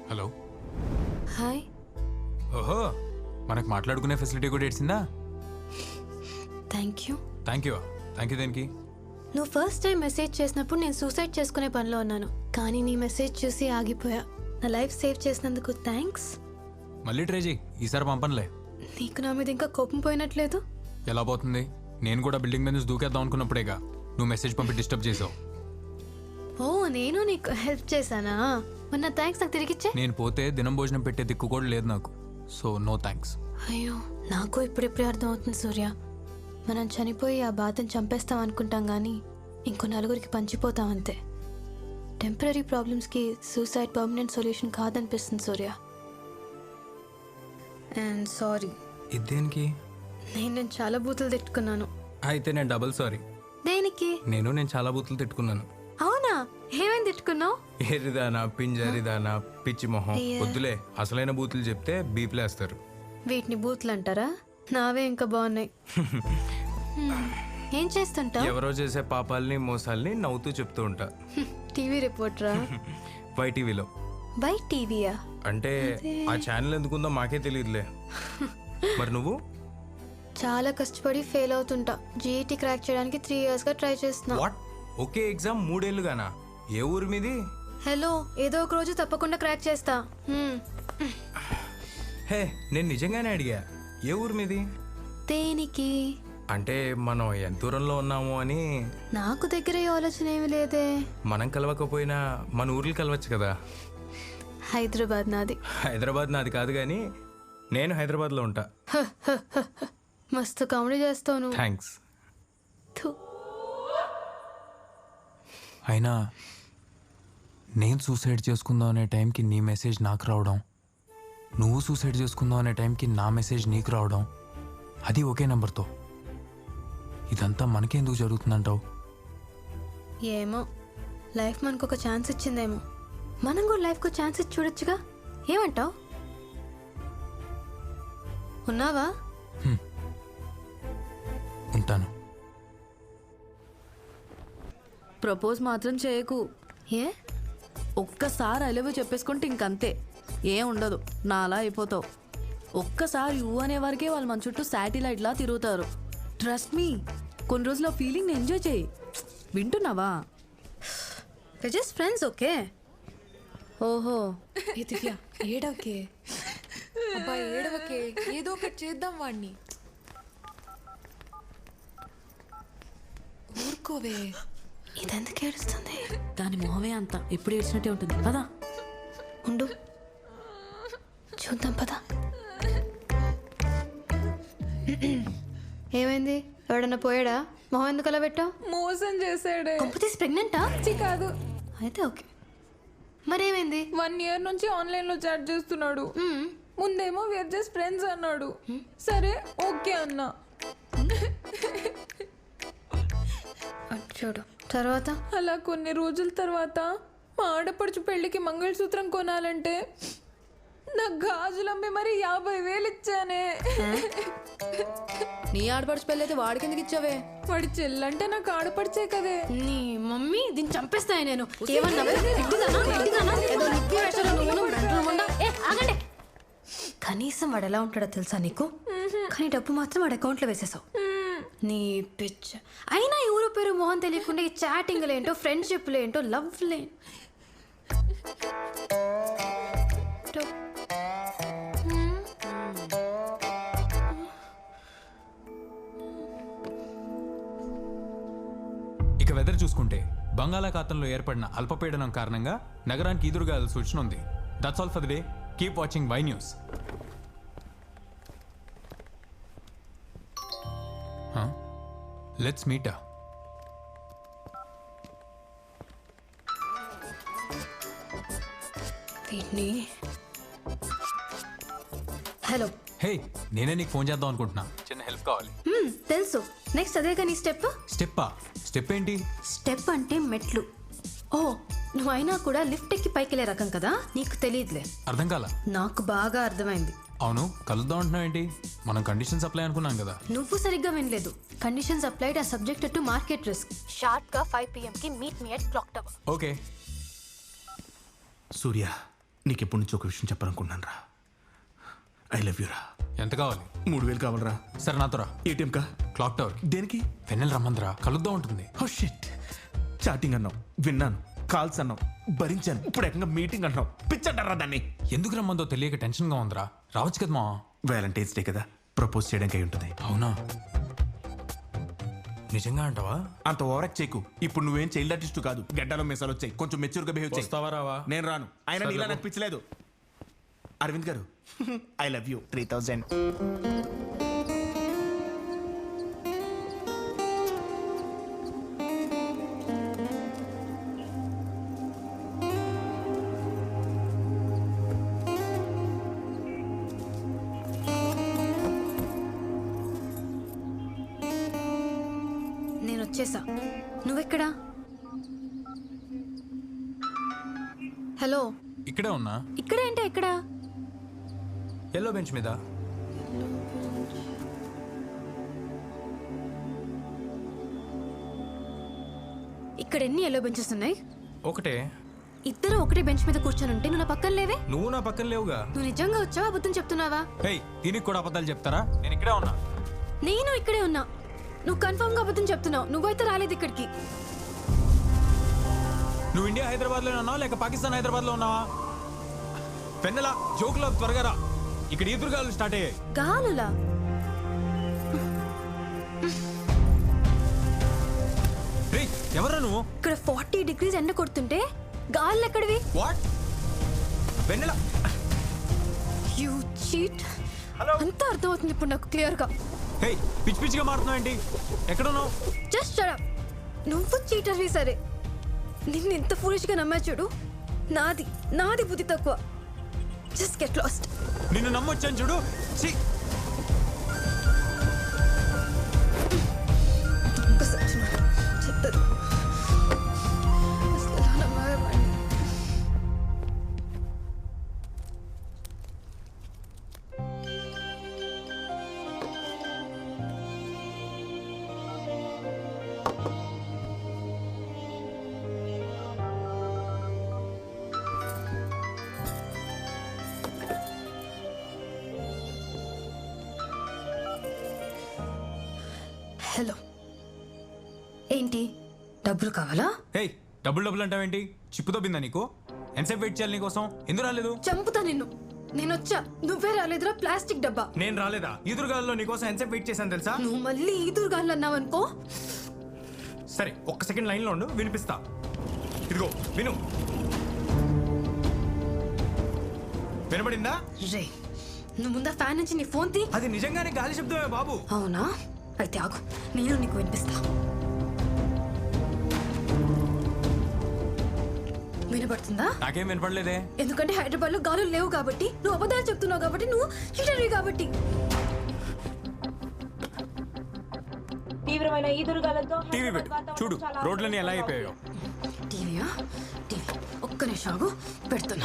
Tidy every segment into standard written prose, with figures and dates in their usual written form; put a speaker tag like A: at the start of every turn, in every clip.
A: Hello.
B: Hi.
A: ఓహో, మనకు మాట్లాడుకునే ఫెసిలిటీ కూడా ఇచ్చిందా?
B: Thank you.
A: థ్యాంక్ యూ దేనికి?
B: నువ్వు ఫస్ట్ టైం మెసేజ్ చేసినప్పుడు నేను సూసైడ్ చేసుకునే పనిలో ఉన్నాను, కానీ నీ మెసేజ్ చూసి ఆగిపోయా. నా లైఫ్ సేవ్ చేసినందుకు థ్యాంక్స్.
A: మళ్ళీ ట్రై చేయి, ఈసారి పంపనులే.
B: నీకు నా మీద ఇంకా కోపం పోయినట్లేదు?
A: ఎలా పోతుంది? నేను కూడా బిల్డింగ్ మీద నుంచి దూకేద్దాం అనుకున్నప్పుడేగా నువ్వు మెసేజ్ పంపి డిస్టర్బ్ చేసావు.
B: ఓ, నేను నీకు హెల్ప్ చేశానా? మొన్న థ్యాంక్స్ నాకు తిరిగిచ్చే.
A: నేను పోతే దినం భోజనం పెట్టే దిక్కు కూడా లేదు నాకు, సో నో థ్యాంక్స్.
B: అయ్యో, నాకు ఇప్పుడిప్పుడే అర్థం అవుతుంది సూర్య. మనం చనిపోయి ఆ బాధను చంపేస్తాం అనుకుంటాం కానీ ఇంకో నలుగురికి పంచిపోతాం అంతే. టెంపరీ ప్రాబ్లమ్స్కి సూసైడ్ పర్మనెంట్ సొల్యూషన్ కాదనిపిస్తుంది సూర్య. And sorry.
A: ఇదేనికి?
B: నేను చాలా బూతులు తిట్టుకున్నాను.
A: అయితే నేను డబుల్ సారీ.
B: దేనికి?
A: నేను చాలా బూతులు తిట్టుకున్నాను.
B: అవునా? ఏమేమి తిట్టుకున్నావు?
A: ఏరిదానా, పింజరిదానా, పిచ్చి మొహం. వద్దులే, అసలైన బూతులు చెప్తే బీప్లేస్తారు.
B: వీటిని బూతులు అంటారా? నావే ఇంకా బాగున్నాయి. ఏం చేస్తుంటావు?
A: ఎవరో చేసే పాపాలని మోసాలని నవ్వుతూ చెప్తూ ఉంటా.
B: టీవీ రిపోర్టరా?
A: వైటీవీలో.
B: బై టీవీయా?
A: అంటే ఆ ఛానల్ ఎందుకుందో మాకే తెలియదులే. మరి నువ్వు?
B: చాలా కష్టపడి ఫెయిల్ అవుతుంటా. జీఈటీ క్రాక్ చేయడానికి 3 years గా ట్రై చేస్తున్నా.
A: వాట్? Okay exam 3 ఏళ్ళుగానా? ఏ ఊరు మీది?
B: హలో, ఏదో ఒక రోజు తప్పకుండా క్రాక్ చేస్తా.
A: హే, నేను నిజంగానే అడిగా, ఏ ఊరు మీది?
B: దేనికి?
A: అంటే మనం ఎంత దూరంలో ఉన్నాము అని.
B: నాకు దగ్గర ఈ ఆలోచన ఏమి లేదే.
A: మనం కలవకపోయినా మన ఊర్లు కలవచ్చు కదా.
B: హైదరాబాద్ నాది.
A: హైదరాబాద్ నాది కాదు కానీ నేను హైదరాబాద్లో ఉంటా.
B: మస్తు కామెడీ చేస్తావు నువ్వు.
A: థ్యాంక్స్.
B: థు.
A: అయినా నేను సూసైడ్ చేసుకుందాం అనే టైంకి నీ మెసేజ్ నాకు రావడం, నువ్వు సూసైడ్ చేసుకుందాం అనే టైంకి నా మెసేజ్ నీకు రావడం, అది ఒకే నెంబర్తో. ఇదంతా మనకెందుకు జరుగుతుందంటావు?
B: ఏమో, లైఫ్ మనకు ఒక ఛాన్స్ ఇచ్చిందేమో. మనం కూడా లైఫ్కి ఛాన్స్ ఇచ్చి చూడొచ్చుగా. ఏమంటావు? ఉన్నావా?
A: ఉంటాను.
C: ప్రపోజ్ మాత్రం చేయకు.
B: ఏ?
C: ఒక్కసారి ఐ లవ్ యూ చెప్పేసుకుంటే ఇంకంతే, ఏం ఉండదు, నా అలా అయిపోతావు. ఒక్కసారి యూ అనే వరకే వాళ్ళు మన చుట్టూ శాటిలైట్లా తిరుగుతారు. ట్రస్ట్ మీ, కొన్ని రోజులు ఆ ఫీలింగ్ని ఎంజాయ్ చేయి. వింటున్నావా?
B: Just friends, okay?
C: ఓహో,
D: దివ్య ఏడవకే. అబ్బా ఏడవకే, ఏదో ఒకటి చేద్దాం వాడిని. ఊరుకోవే.
B: ఇదెందుకు ఏడుస్తుంది?
C: దాని మొహమే అంత ఎప్పుడు ఏడ్చినట్టే ఉంటుంది. పదా
B: ఉండు, చూద్దాం పదా. ఏమైంది? ఎవడన్నా పోయాడా? మొహం ఎందుకు అలా పెట్టావు?
D: మోసం చేశాడే.
B: కంపెనీస్ ప్రెగ్నెంటా?
D: కాదు.
B: అయితే ఓకే. మరేమైంది?
D: 1 year నుంచి ఆన్లైన్ లో చాట్ చేస్తున్నాడు. ముందేమో వేర్ జస్ట్ ఫ్రెండ్స్ అన్నాడు. సరే ఓకే అన్నా.
B: చూడు తర్వాత.
D: అలా కొన్ని రోజుల తర్వాత మా ఆడపడుచు పెళ్లికి మంగళసూత్రం కొనాలంటే నాకు గాజులమ్మి మరి 50,000 ఇచ్చానే.
C: నీ ఆడపడుచు పెళ్ళి అయితే వాడికి ఎందుకు ఇచ్చావే?
D: వాడి చెల్లంటే నాకు ఆడపడిచే కదే.
B: నీ మమ్మీ దీన్ని చంపేస్తాయి. నేను ఏమన్నావే? ఏదో నిప్పి వేషాలు నువ్వు మెంటల్ ఉండా. ఆగండి. కనీసం వాడు ఎలా ఉంటాడో తెలుసా నీకు? కానీ డబ్బు మాత్రం వాడి అకౌంట్లో వేసేసావు. నీ పిచ్చ. అయినా ఎవరో పేరు మోహన్ తెలియకుండా ఈ చాటింగ్లు ఏంటో, ఫ్రెండ్షిప్లు ఏంటో, లవ్లే.
A: ఇక వెదర్ చూసుకుంటే బంగాళాఖాతంలో ఏర్పడిన అల్పపీడనం కారణంగా నగరానికి ఎదురుగాల సూచన ఉంది. That's all for the day. Keep watching Y news. Let's meet.
B: Hello.
A: Hey, నేనే నీకు ఫోన్ చేద్దాం అనుకుంటున్నా. చిన్న హెల్ప్ కావాలి.
B: తెలుసు. నెక్స్ట్ అదే కానీ స్టెప్.
A: స్టెప్ ఏంటి?
B: స్టెప్ అంటే మెట్లు. ఓ, నువ్వు అయినా కూడా లిఫ్ట్ ఎక్కి పైకి రకం కదా, నీకు తెలియదులే.
A: అర్థం కాల?
B: నాకు బాగా అర్థమైంది.
A: అవును, కలుద్దాం అంటున్నావు ఏంటి? మనం కండిషన్స్ అప్లై అనుకున్నాం కదా.
B: నువ్వు సరిగ్గా వినలేదు. Conditions applied are subjected to market risk. Sharp గా 5 PM కి meet me at clock tower.
A: Okay.
E: Surya, నీకు ఎప్పటి నుంచి ఒక విషయం చెప్పాలనుకున్నాను రా. ఐ లవ్ యూ రా.
A: ఎంత కావాలి?
E: 3000 కావాలరా.
A: సరే నాతో రా.
E: ఏటీఎం కా?
A: Clock tower.
E: దేనికి?
A: వెన్నెల రమ్మందిరా, కలుద్దాం ఉంటుంది.
E: Oh shit. చాటింగ్ అన్నావు, విన్నాను. కాల్స్ అన్నావు, భరించాను. ఇప్పుడు ఏకంగా మీటింగ్ అంటున్నావు. పిచ్చంటారా దాన్ని?
A: ఎందుకు రమ్మందో తెలియక టెన్షన్గా ఉందిరా. రావచ్చు కదా మా.
E: వ్యాలంటైన్స్ డే కదా, ప్రపోజ్ చేయడానికి అయి ఉంటుంది.
A: అవునా? నిజంగా అంటావా?
E: అంత ఓవరాక్ట్ చేయకు. ఇప్పుడు నువ్వేం చైల్డ్ ఆర్టిస్ట్ కాదు. గడ్డలో మెసాలు వచ్చాయి, కొంచెం మెచ్యూర్ గా బిహేవ్ చేయి.
A: వస్తావా రావా?
E: నేను రాను. ఆయన నీలా నాకు పిచ్చలేదు. అరవింద్ గారు, ఐ లవ్ యూ. 3000.
B: నేను వచ్చేసా. నువ్వెక్కడా? హలో,
A: ఇక్కడే ఉన్నా.
B: ఇక్కడేంటే ఎక్కడా?
A: ఎల్లో బెంచ్ మీద.
B: ఇక్కడ ఎన్ని ఎల్లో బెంచెస్ ఉన్నాయి?
A: ఒకటే.
B: ఇద్దరు ఒకటే బెంచ్ మీద కూర్చొని ఉంటే నువ్వు నా పక్కన లేవే.
A: నువ్వు నా పక్కన లేవుగా.
B: నువ్వు నిజంగా వచ్చావా, అబద్ధం చెప్తున్నావా?
A: హే, దీనికి కూడా అబద్ధాలు చెప్తారా? నేను ఇక్కడే ఉన్నా.
B: నేను ఇక్కడే ఉన్నా. నువ్వు కన్ఫర్మ్ గా అబద్ధం చెప్తున్నావు. నువ్వైతే రాలేదు ఇక్కడికి.
A: నువ్వు ఇండియా హైదరాబాద్ లో ఉన్నావా లేక పాకిస్తాన్ హైదరాబాద్ లో ఉన్నావా? పెన్నెల జోకులో త్వరగా రా. ఇక్కడ ఈదురుగాలు స్టార్ట్ అయ్యాయి.
B: గాలులా?
A: రే, ఎవరా నువ్వు?
B: ఇక్కడ 40 degrees ఎండ కొడుతుంటే గాలు ఎక్కడివి?
A: వాట్? Vennela,
B: you cheat. అంతా అర్థమవుతుంది ఇప్పుడు నాకు క్లియర్ గా.
A: హే, పిచ్చి పిచ్చిగా మారుతున్నావు ఏంటి? ఎక్కడున్నావు?
B: Just shut up. నువ్వు చీటర్వి సరే. నిన్ను ఎంత ఫూలిష్ గా నమ్మా చూడు. నాది బుద్ధి తక్కువ. Just get lost.
A: నిన్ను నమ్మొచ్చాను చూడు. ఛీ!
B: చెత్తది. అసలు ఎలా నమ్మావే వాడిని? హలో, ఏంటి డబ్బులు కావాలా?
A: హే, డబ్బులు అంటావేంటి? చిప్పుతో బిందా నీకు? ఎంతసేపు వెయిట్ చేయాలి నీకోసం? ఎందుకు రాలేదు?
B: చంపుతా నిన్ను. నేనొచ్చా, నువ్వే రాలేదురా ప్లాస్టిక్ డబ్బా.
A: నేను రాలేదా? ఈదురుగాల్లో నీకోసం ఎంతసేపు వెయిట్ చేశాను తెలుసా?
B: నువ్వు మళ్ళీ ఈదురుగాళ్ళు అన్నావనుకో.
A: సరే, ఒక్క సెకండ్ లైన్లో ఉండు, వినిపిస్తా. ఇదిగో విను. వినబడిందా?
B: రే, నువ్వు ముందా ఫ్యాన్ నుంచి నీ ఫోన్ తీ.
A: అది నిజంగానే గాలి శబ్దమే బాబు.
B: అవునా? అయితే ఆగు, నేను నీకు వినిపిస్తా. వినపడుతుందా?
A: నాకేం వినపడలేదే.
B: ఎందుకంటే హైదరాబాద్ లో గాలులు లేవు కాబట్టి, నువ్వు అబద్ధాలు చెప్తున్నావు కాబట్టి, నువ్వు చీటర్వి కాబట్టి.
F: తీవ్రమైన ఈదురుగాలతో
A: టీవీ పెట్టు, చూడు రోడ్లన్నీ ఎలా అయిపోయాయో.
B: టీవీయా? టీవీ ఒక్క నిమిషం ఆగు, పెడుతున్నా.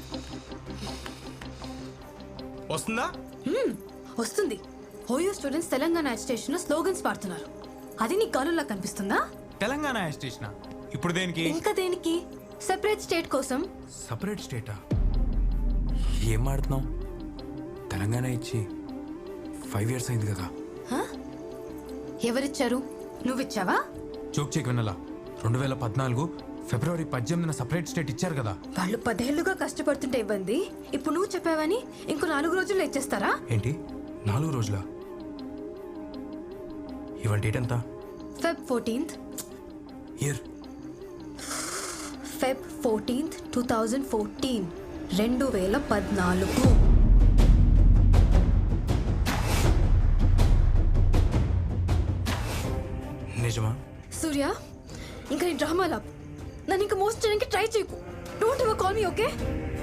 A: వస్తుందా?
B: వస్తుంది. ఓయో స్టూడెంట్స్ తెలంగాణ స్టేషన్ లో స్లోగన్స్ పాడుతున్నారు. అది నీ గాలులా కనిపిస్తుందా?
A: తెలంగాణ స్టేషన్ ఇప్పుడు దేనికి?
B: ఇంకా దేనికి? సెపరేట్ స్టేట్ కోసం.
A: సపరేట్ స్టేటా? ఏం ఆడుతున్నావు? తెలంగాణ ఇచ్చి 5 years అయింది కదా.
B: హ? ఎవరిచ్చారు? నువ్విచ్చావా?
A: జోక్ చెక్ వినలా. 2014 ఫిబ్రవరి 18న సపరేట్ స్టేట్ ఇచ్చారు కదా.
B: వాళ్ళు 10 ఏళ్లుగా కష్టపడుతుంటే ఇవ్వండి. ఇప్పుడు నువ్వు చెప్పావని ఇంకో 4 రోజుల్లో ఇచ్చేస్తారా?
A: ఏంటి 4 రోజులా? ఇవాళ డేట్ ఎంత?
B: Feb 14th.
A: Year?
B: Feb 14th, 2014. 2014.
A: నిజమా?
B: సూర్య, ఇంకా నీ డ్రామా లాప్. నన్ను ఇంకా మోస్ట్ చేయడానికి ట్రై చేయకు. Don't ever call me, okay?